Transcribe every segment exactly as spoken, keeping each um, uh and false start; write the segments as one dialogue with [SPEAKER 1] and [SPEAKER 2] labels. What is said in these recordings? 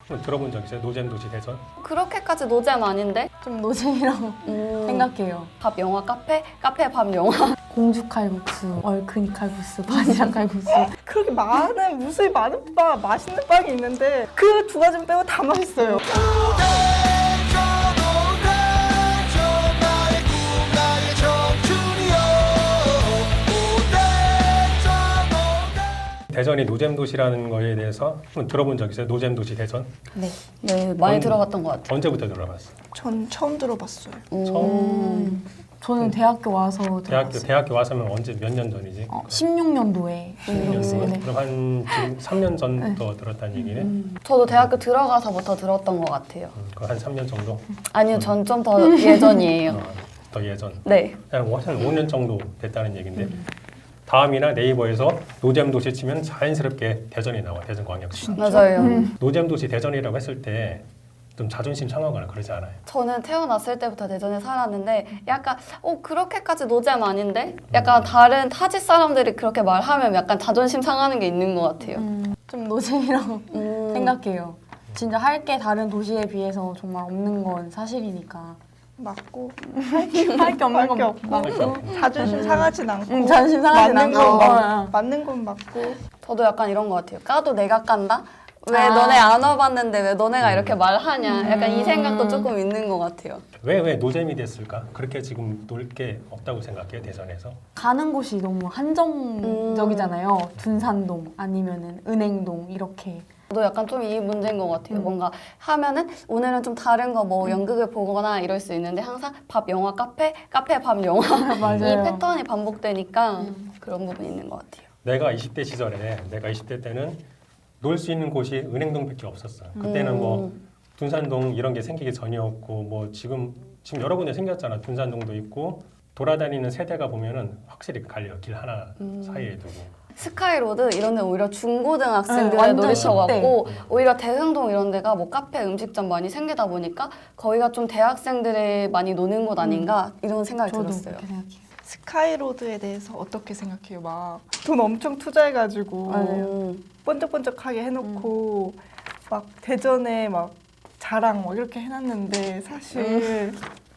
[SPEAKER 1] 들어본 적 있어요? 노잼 도시 대전?
[SPEAKER 2] 그렇게까지 노잼 아닌데?
[SPEAKER 3] 좀 노잼이라고
[SPEAKER 2] 음,
[SPEAKER 3] 생각해요.
[SPEAKER 2] 밥 영화 카페? 카페 밥 영화?
[SPEAKER 3] 공주 칼국수, 얼큰이 칼국수, 바지락 칼국수.
[SPEAKER 4] 그렇게 많은 무수히 많은 빵, 맛있는 빵이 있는데 그 두 가지 빼고 다 맛있어요.
[SPEAKER 1] 대전이 노잼 도시라는 거에 대해서 한번 들어본 적 있어요? 노잼 도시 대전?
[SPEAKER 3] 네.
[SPEAKER 2] 네, 많이
[SPEAKER 1] 언-
[SPEAKER 2] 들어봤던 것 같아요.
[SPEAKER 1] 언제부터 들어봤어?
[SPEAKER 4] 전 처음 들어봤어요.
[SPEAKER 2] 음.
[SPEAKER 1] 처음?
[SPEAKER 3] 저는 대학교 와서
[SPEAKER 1] 대학교
[SPEAKER 3] 들어봤어요.
[SPEAKER 1] 대학교 와서면 언제 몇 년 전이지?
[SPEAKER 3] 어, 십육 년도에 들었어요. 네.
[SPEAKER 1] 그럼 한 지금 삼 년 전부터 들었다는 얘기네.
[SPEAKER 2] 음. 저도 대학교 들어가서부터 들었던 것 같아요.
[SPEAKER 1] 음, 그한 삼 년 정도?
[SPEAKER 2] 아니요, 전 좀 더 예전이에요.
[SPEAKER 1] 어, 더 예전.
[SPEAKER 2] 네.
[SPEAKER 1] 한 오 년 정도 됐다는 얘긴데 다음이나 네이버에서 노잼 도시 치면 자연스럽게 대전이 나와. 대전광역시.
[SPEAKER 2] 맞아요.
[SPEAKER 1] 노잼 도시 대전이라고 했을 때 좀 자존심 상하거나 그러지 않아요?
[SPEAKER 2] 저는 태어났을 때부터 대전에 살았는데 약간 어 그렇게까지 노잼 아닌데? 약간 다른 타지 사람들이 그렇게 말하면 약간 자존심 상하는 게 있는 것 같아요.
[SPEAKER 3] 음, 좀 노잼이라고
[SPEAKER 2] 음.
[SPEAKER 3] 생각해요. 진짜 할 게 다른 도시에 비해서 정말 없는 건 사실이니까.
[SPEAKER 4] 맞고
[SPEAKER 3] 할 게 없는
[SPEAKER 4] 할 게
[SPEAKER 3] 건
[SPEAKER 4] 없고
[SPEAKER 3] 맞고.
[SPEAKER 4] 자존심 상하진 않고
[SPEAKER 3] 응, 자존심 상하진
[SPEAKER 4] 맞는
[SPEAKER 3] 않고.
[SPEAKER 4] 건 맞-
[SPEAKER 3] 어, 어.
[SPEAKER 4] 맞는 건 맞고
[SPEAKER 2] 저도 약간 이런 것 같아요. 까도 내가 깐다? 왜
[SPEAKER 3] 아.
[SPEAKER 2] 너네 안 와봤는데 왜 너네가 이렇게 말하냐? 약간 이
[SPEAKER 3] 음.
[SPEAKER 2] 생각도 조금 있는 것 같아요.
[SPEAKER 1] 왜 왜 노잼이 됐을까? 그렇게 지금 놀 게 없다고 생각해요, 대전에서?
[SPEAKER 3] 가는 곳이 너무 한정적이잖아요. 둔산동 아니면은 은행동 이렇게.
[SPEAKER 2] 저도 약간 좀 이 문제인 것 같아요. 뭔가 하면은 오늘은 좀 다른 거 뭐 연극을 보거나 이럴 수 있는데 항상 밥 영화 카페, 카페 밥 영화 이
[SPEAKER 3] 맞아요.
[SPEAKER 2] 패턴이 반복되니까 그런 부분이 있는 것 같아요.
[SPEAKER 1] 내가 이십 대 시절에 내가 이십 대 때는 놀 수 있는 곳이 은행동밖에 없었어. 그때는
[SPEAKER 2] 음.
[SPEAKER 1] 뭐 둔산동 이런 게 생기기 전이었고 뭐 지금 지금 여러 군데 생겼잖아. 둔산동도 있고 돌아다니는 세대가 보면은 확실히 갈려. 길 하나
[SPEAKER 2] 음.
[SPEAKER 1] 사이에 두고.
[SPEAKER 2] 스카이로드 이런 데 오히려
[SPEAKER 3] 네,
[SPEAKER 2] 중고등학생들의
[SPEAKER 3] 완전
[SPEAKER 2] 놀이터 같고
[SPEAKER 1] 십 대.
[SPEAKER 2] 오히려 대흥동 이런 데가 뭐 카페 음식점 많이 생기다 보니까 거기가 좀 대학생들이 많이 노는 곳 아닌가 이런 생각이
[SPEAKER 3] 저도
[SPEAKER 2] 들었어요.
[SPEAKER 3] 그렇게 생각해요.
[SPEAKER 4] 스카이로드에 대해서 어떻게 생각해요? 막 돈 엄청 투자해가지고
[SPEAKER 2] 음.
[SPEAKER 4] 번쩍번쩍하게 해놓고 막 대전에 막 자랑 뭐 이렇게 해놨는데 사실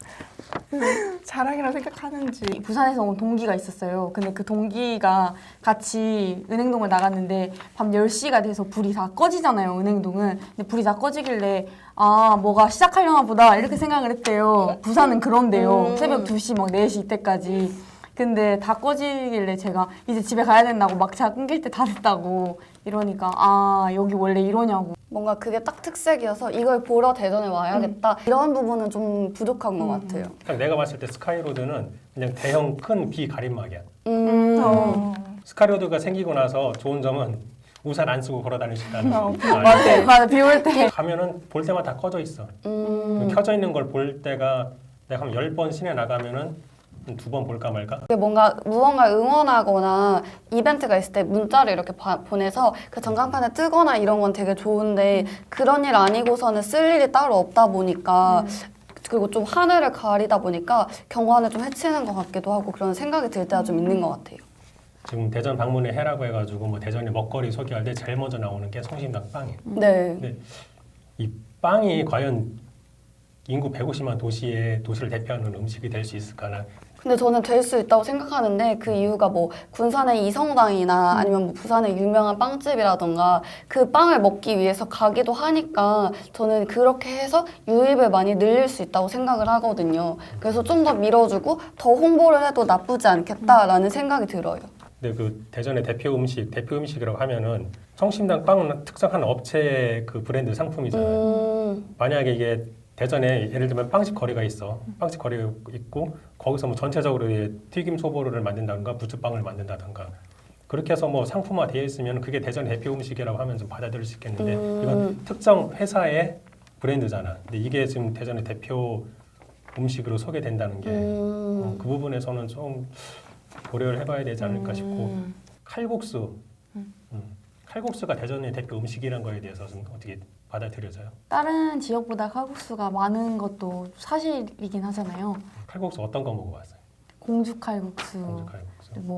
[SPEAKER 4] 자랑이라 생각하는지
[SPEAKER 3] 부산에서 온 동기가 있었어요. 근데 그 동기가 같이 은행동을 나갔는데 밤 열 시가 돼서 불이 다 꺼지잖아요, 은행동은. 근데 불이 다 꺼지길래 아, 뭐가 시작하려나 보다 이렇게 생각을 했대요. 부산은 그런데요.
[SPEAKER 2] 음.
[SPEAKER 3] 새벽 두 시, 막 네 시 이때까지. 근데 다 꺼지길래 제가 이제 집에 가야 된다고 막차 끊길 때 다 됐다고 이러니까 아, 여기 원래 이러냐고.
[SPEAKER 2] 뭔가 그게 딱 특색이어서 이걸 보러 대전에 와야겠다 이런 부분은 좀 부족한 것 같아요.
[SPEAKER 1] 그냥 내가 봤을 때 스카이로드는 그냥 대형 큰 비가림막이야.
[SPEAKER 2] 음.
[SPEAKER 4] 어.
[SPEAKER 1] 스카이로드가 생기고 나서 좋은 점은 우산 안 쓰고 걸어 다닐 수 있다는
[SPEAKER 4] 어,
[SPEAKER 1] 거.
[SPEAKER 3] 맞아, 맞아. 비 올 때.
[SPEAKER 1] 가면은 볼 때마다 다 꺼져 있어.
[SPEAKER 2] 음.
[SPEAKER 1] 켜져 있는 걸 볼 때가 내가 한 열 번 시내 나가면은 두 번 볼까 말까?
[SPEAKER 2] 그게 뭔가 무언가 응원하거나 이벤트가 있을 때 문자를 이렇게 바, 보내서 그 전광판에 뜨거나 이런 건 되게 좋은데 그런 일 아니고서는 쓸 일이 따로 없다 보니까 그리고 좀 하늘을 가리다 보니까 경관을 좀 해치는 것 같기도 하고 그런 생각이 들 때가 좀 있는 것 같아요.
[SPEAKER 1] 지금 대전 방문을 해라고 해가지고 뭐 대전의 먹거리 소개할 때 제일 먼저 나오는 게 성심당 빵이에요.
[SPEAKER 2] 네.
[SPEAKER 1] 근데 이 빵이 과연 인구 백오십만 도시의 도시를 대표하는 음식이 될 수 있을까나?
[SPEAKER 2] 근데 저는 될 수 있다고 생각하는데 그 이유가 뭐 군산의 이성당이나 아니면 뭐 부산의 유명한 빵집이라던가 그 빵을 먹기 위해서 가기도 하니까 저는 그렇게 해서 유입을 많이 늘릴 수 있다고 생각을 하거든요. 그래서 좀 더 밀어주고 더 홍보를 해도 나쁘지 않겠다라는 생각이 들어요.
[SPEAKER 1] 근데 그 대전의 대표 음식, 대표 음식이라고 하면은 성심당 빵은 특성한 업체 그 브랜드 상품이잖아요.
[SPEAKER 2] 음,
[SPEAKER 1] 만약에 이게 대전에 예를 들면 빵집 거리가 있어. 빵집 거리가 있고 거기서 뭐 전체적으로 튀김 소보루를 만든다든가 부추빵을 만든다든가 그렇게 해서 뭐 상품화 되어 있으면 그게 대전 대표 음식이라고 하면 좀 받아들일 수 있겠는데
[SPEAKER 2] 음.
[SPEAKER 1] 이건 특정 회사의 브랜드잖아. 근데 이게 지금 대전의 대표 음식으로 소개된다는 게 그
[SPEAKER 2] 음,
[SPEAKER 1] 부분에서는 좀 고려를 해봐야 되지 않을까 싶고
[SPEAKER 2] 음.
[SPEAKER 1] 칼국수 음. 칼국수가 대전의 대표 음식이라는 거에 대해서 좀 어떻게 받아들여져요?
[SPEAKER 3] 다른 지역보다 칼국수가 많은 것도 사실이긴 하잖아요.
[SPEAKER 1] 칼국수 어떤 거 먹어봤어요?
[SPEAKER 3] 공주 칼국수,
[SPEAKER 1] 공주 칼국수.
[SPEAKER 3] 뭐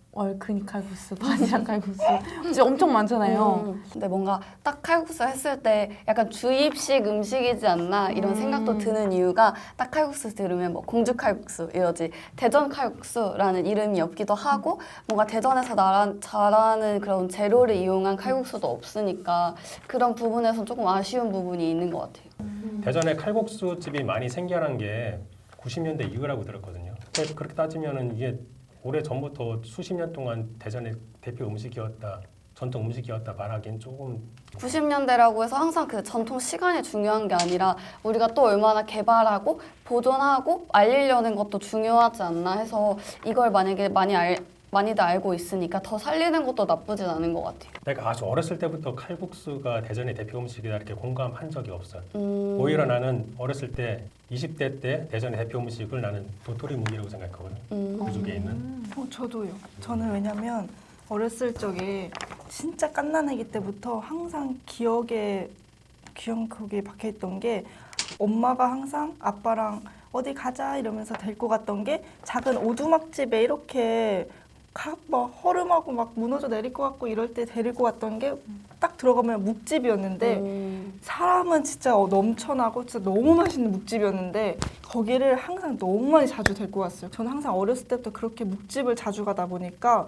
[SPEAKER 3] 얼큰이 칼국수, 바지락 칼국수 진짜 엄청 많잖아요.
[SPEAKER 2] 음, 근데 뭔가 딱 칼국수 했을 때 약간 주입식 음식이지 않나 이런
[SPEAKER 3] 음.
[SPEAKER 2] 생각도 드는 이유가 딱 칼국수 들으면 뭐 공주 칼국수 이러지 대전 칼국수라는 이름이 없기도 하고 뭔가 대전에서 나라, 잘하는 그런 재료를 이용한 칼국수도 없으니까 그런 부분에서 조금 아쉬운 부분이 있는 것 같아요.
[SPEAKER 1] 대전에 칼국수 집이 많이 생겨난 게 구십 년대 이후라고 들었거든요. 근데 그렇게 따지면은 이게 오래 전부터 수십 년 동안 대전의 대표 음식이었다, 전통 음식이었다 말하기엔 조금
[SPEAKER 2] 구십 년대라고 해서 항상 그 전통 시간이 중요한 게 아니라 우리가 또 얼마나 개발하고 보존하고 알리려는 것도 중요하지 않나 해서 이걸 만약에 많이 알, 많이들 알고 있으니까 더 살리는 것도 나쁘진 않은 것 같아요.
[SPEAKER 1] 내가 아주 어렸을 때부터 칼국수가 대전의 대표 음식이다 이렇게 공감한 적이 없어요.
[SPEAKER 2] 음,
[SPEAKER 1] 오히려 나는 어렸을 때 이십 대 때 대전의 대표 음식을 나는 도토리 묵이라고 생각하거든.
[SPEAKER 2] 음.
[SPEAKER 1] 그 중에 있는.
[SPEAKER 4] 어, 저도요. 저는 왜냐면 어렸을 적에 진짜 갓난아기 때부터 항상 기억에 기억에 박혀있던 게 엄마가 항상 아빠랑 어디 가자 이러면서 데리고 갔던 게 작은 오두막집에 이렇게 막 허름하고 막 무너져 내릴 것 같고 이럴 때 데리고 갔던 게 딱 들어가면 묵집이었는데
[SPEAKER 2] 음.
[SPEAKER 4] 사람은 진짜 어, 넘쳐나고 진짜 너무 맛있는 묵집이었는데 거기를 항상 너무 많이 자주 데리고 갔어요. 저는 항상 어렸을 때부터 그렇게 묵집을 자주 가다 보니까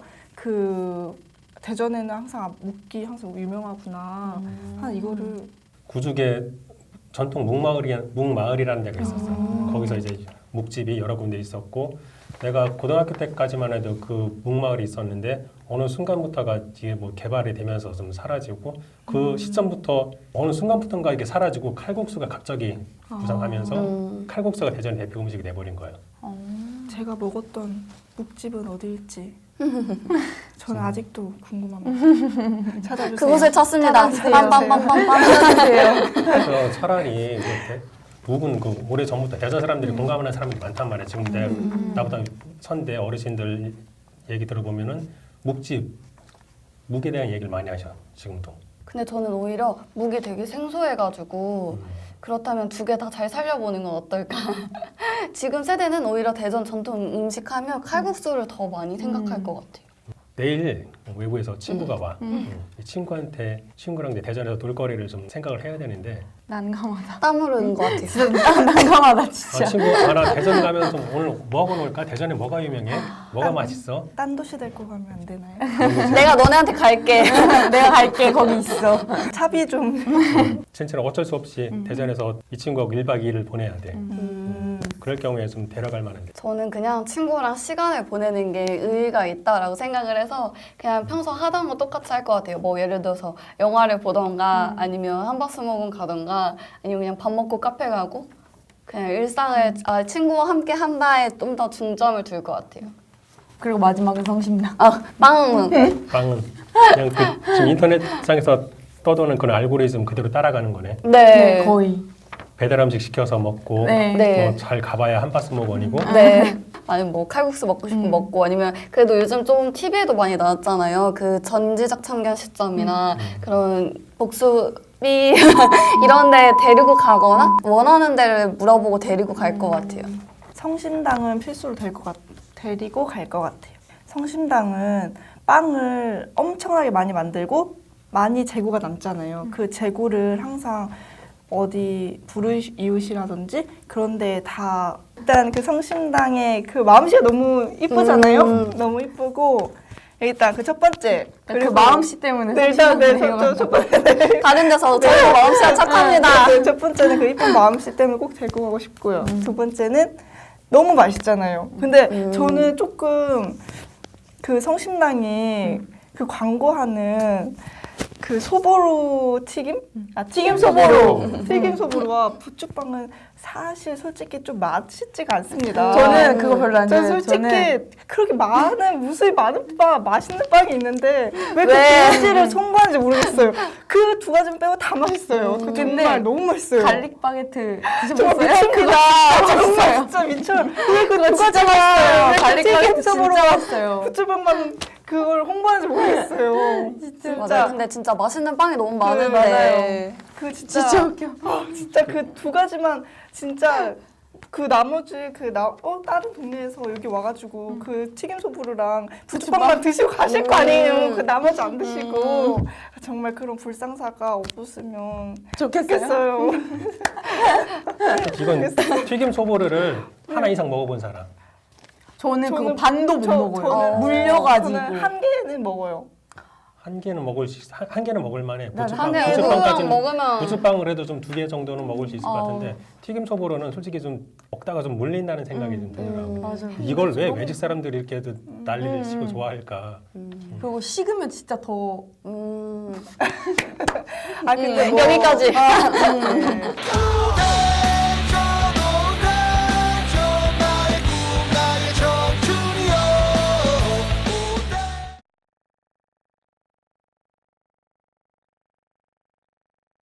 [SPEAKER 4] 그 대전에는 항상 묵기 항상 유명하구나.
[SPEAKER 2] 음.
[SPEAKER 4] 한 이거를
[SPEAKER 1] 구죽에 전통 묵마을이 묵마을이라는 데가 있었어요.
[SPEAKER 2] 음.
[SPEAKER 1] 거기서 이제 묵집이 여러 군데 있었고 내가 고등학교 때까지만 해도 그 묵마을이 있었는데 어느 순간부터가 이게 뭐 개발이 되면서 좀 사라지고 그 시점부터 어느 순간부터인가 이게 사라지고 칼국수가 갑자기 부상하면서
[SPEAKER 2] 음.
[SPEAKER 1] 칼국수가 대전 대표 음식이 돼버린 거예요.
[SPEAKER 4] 제가 먹었던 묵집은 어디일지 저는 아직도 궁금합니다. 찾아주세요.
[SPEAKER 2] 그곳을 찾습니다.
[SPEAKER 4] 찾아주세요.
[SPEAKER 2] 빰빰빰빰빰.
[SPEAKER 1] 그래서 차라리 이렇게 묵은 그 오래 전부터 대전 사람들이 공감하는 사람들이 많단 말이에요. 지금 내 나보다 선대 어르신들 얘기 들어보면은 묵집 묵에 대한 얘기를 많이 하셔 지금도.
[SPEAKER 2] 근데 저는 오히려 묵이 되게 생소해가지고 그렇다면 두 개 다 잘 살려보는 건 어떨까? 지금 세대는 오히려 대전 전통 음식 하면 칼국수를 더 많이 생각할 것 같아요.
[SPEAKER 1] 내일 외부에서 친구가 와. 음. 이 친구한테 친구랑 이제 대전에서 놀거리를 좀 생각을 해야 되는데
[SPEAKER 3] 난감하다.
[SPEAKER 2] 땀 흐르는 것 같아요.
[SPEAKER 3] 진짜 난감하다 진짜.
[SPEAKER 1] 아, 친구 아, 나 대전 가면 좀 오늘 뭐 하고 놀까? 대전에 뭐가 유명해? 뭐가 맛있어?
[SPEAKER 4] 딴 도시 데리고 가면 안 되나요?
[SPEAKER 2] 내가 너네한테 갈게.
[SPEAKER 3] 내가 갈게 거기 있어.
[SPEAKER 4] 차비 좀.
[SPEAKER 1] 진짜로 어쩔 수 없이 대전에서 이 친구하고 일 박 이 일을 보내야 돼.
[SPEAKER 2] 음,
[SPEAKER 1] 그럴 경우에 좀 데려갈 만한데.
[SPEAKER 2] 저는 그냥 친구랑 시간을 보내는 게 의의가 있다라고 생각을 해서 그냥 평소 하던 거 똑같이 할 것 같아요. 뭐 예를 들어서 영화를 보던가 아니면 한바스먹은 가던가 아니면 그냥 밥 먹고 카페 가고 그냥 일상을 아, 친구와 함께 한다에 좀 더 중점을 둘 것 같아요.
[SPEAKER 3] 그리고 마지막은 성심당.
[SPEAKER 2] 아, 빵!
[SPEAKER 1] 빵은 그냥 그 지금 인터넷상에서 떠도는 그런 알고리즘 그대로 따라가는 거네.
[SPEAKER 2] 네.
[SPEAKER 3] 네, 거의.
[SPEAKER 1] 배달 음식 시켜서 먹고
[SPEAKER 3] 네.
[SPEAKER 2] 네.
[SPEAKER 1] 어, 잘 가봐야 한 바스먹원이고
[SPEAKER 2] 네. 아니면 뭐 칼국수 먹고 싶으면
[SPEAKER 3] 음.
[SPEAKER 2] 먹고 아니면 그래도 요즘 좀 티비에도 많이 나왔잖아요. 그 전지적 참견 시점이나 그런 복수비 이런 데 데리고 가거나 원하는 데를 물어보고 데리고 갈 것 같아요.
[SPEAKER 4] 성심당은 필수로 될 것 같, 데리고 갈 것 같아요. 성심당은 빵을 엄청나게 많이 만들고 많이 재고가 남잖아요. 그 재고를 항상 어디 불이웃이라든지 그런 데 다 일단 그 성심당의 그 마음씨가 너무 이쁘잖아요.
[SPEAKER 2] 음.
[SPEAKER 4] 너무 이쁘고 일단 그 첫 번째
[SPEAKER 3] 그 마음씨 때문에
[SPEAKER 4] 네, 일단 네,
[SPEAKER 3] 성심당
[SPEAKER 4] 저, 저, 첫 번째 네.
[SPEAKER 2] 다른 데서 저희 마음씨가 착합니다.
[SPEAKER 4] 네, 첫 번째는 그 이쁜 마음씨 때문에 꼭 데리고 가고 싶고요. 두 번째는 너무 맛있잖아요. 근데
[SPEAKER 2] 음.
[SPEAKER 4] 저는 조금 그 성심당이 그 광고하는 그 소보로 튀김? 아 튀김 소보로! 튀김 소보로와 부추빵은 사실 솔직히 좀 맛있지가 않습니다.
[SPEAKER 3] 저는 그거 별로 안
[SPEAKER 4] 전
[SPEAKER 3] 좋아해요.
[SPEAKER 4] 솔직히
[SPEAKER 3] 저는
[SPEAKER 4] 그렇게 많은 무수히 많은 빵, 맛있는 빵이 있는데 왜 그
[SPEAKER 2] 왜?
[SPEAKER 4] 두 가지를 송구하는지 모르겠어요. 그 두 가지는 빼고 다 맛있어요. 그
[SPEAKER 3] 근데
[SPEAKER 4] 정말 너무 맛있어요.
[SPEAKER 3] 갈릭 바게트
[SPEAKER 4] 정말
[SPEAKER 3] 드셔보셨어요?
[SPEAKER 4] 미칩니다. 정말 진짜 미쳐요. 왜그두 가지 맛있어요.
[SPEAKER 3] 갈릭 바게트 진짜 맛있어요.
[SPEAKER 4] 부추빵만 그걸 홍보하는지 모르겠어요. 진짜.
[SPEAKER 2] 맞아요. 근데 진짜 맛있는 빵이 너무 많은데.
[SPEAKER 4] 맞아요. 그 진짜
[SPEAKER 3] 진짜 웃겨.
[SPEAKER 4] 진짜 그 두 가지만 진짜 그 나머지 그나 어 다른 동네에서 여기 와가지고 그 튀김 소보루랑 부추빵만 드시고 가실 거 아니에요. 그 나머지 안 드시고 정말 그런 불상사가 없었으면 좋겠어요.
[SPEAKER 1] 이건 튀김 소보루를 하나 이상 먹어본 사람.
[SPEAKER 3] 저는, 그거
[SPEAKER 4] 저는-
[SPEAKER 3] 반도 못
[SPEAKER 4] 저-
[SPEAKER 3] 먹어요.
[SPEAKER 4] 저는-
[SPEAKER 3] 물려가지고.
[SPEAKER 4] 저는 한 개는 먹어요.
[SPEAKER 1] 한 개는 먹을 수 있, 한, 한 개는 먹을 만해.
[SPEAKER 3] 난
[SPEAKER 1] 부추빵,
[SPEAKER 2] 한 개
[SPEAKER 1] 부추빵까지는
[SPEAKER 2] 누구랑 먹으면
[SPEAKER 1] 부추빵을 해도 좀 두 개 정도는 먹을 수 있을 것
[SPEAKER 3] 어.
[SPEAKER 1] 같은데 튀김 소보로는 솔직히 좀 먹다가 좀 물린다는 생각이 좀 들더라고.
[SPEAKER 2] 음.
[SPEAKER 3] 맞아.
[SPEAKER 1] 이걸 왜 외직 사람들이 이렇게 난리를
[SPEAKER 3] 음.
[SPEAKER 1] 치고 좋아할까?
[SPEAKER 3] 그리고 식으면 진짜 더
[SPEAKER 2] 음.
[SPEAKER 4] 아 근데
[SPEAKER 2] 음,
[SPEAKER 4] 뭐-
[SPEAKER 2] 여기까지.
[SPEAKER 4] 네.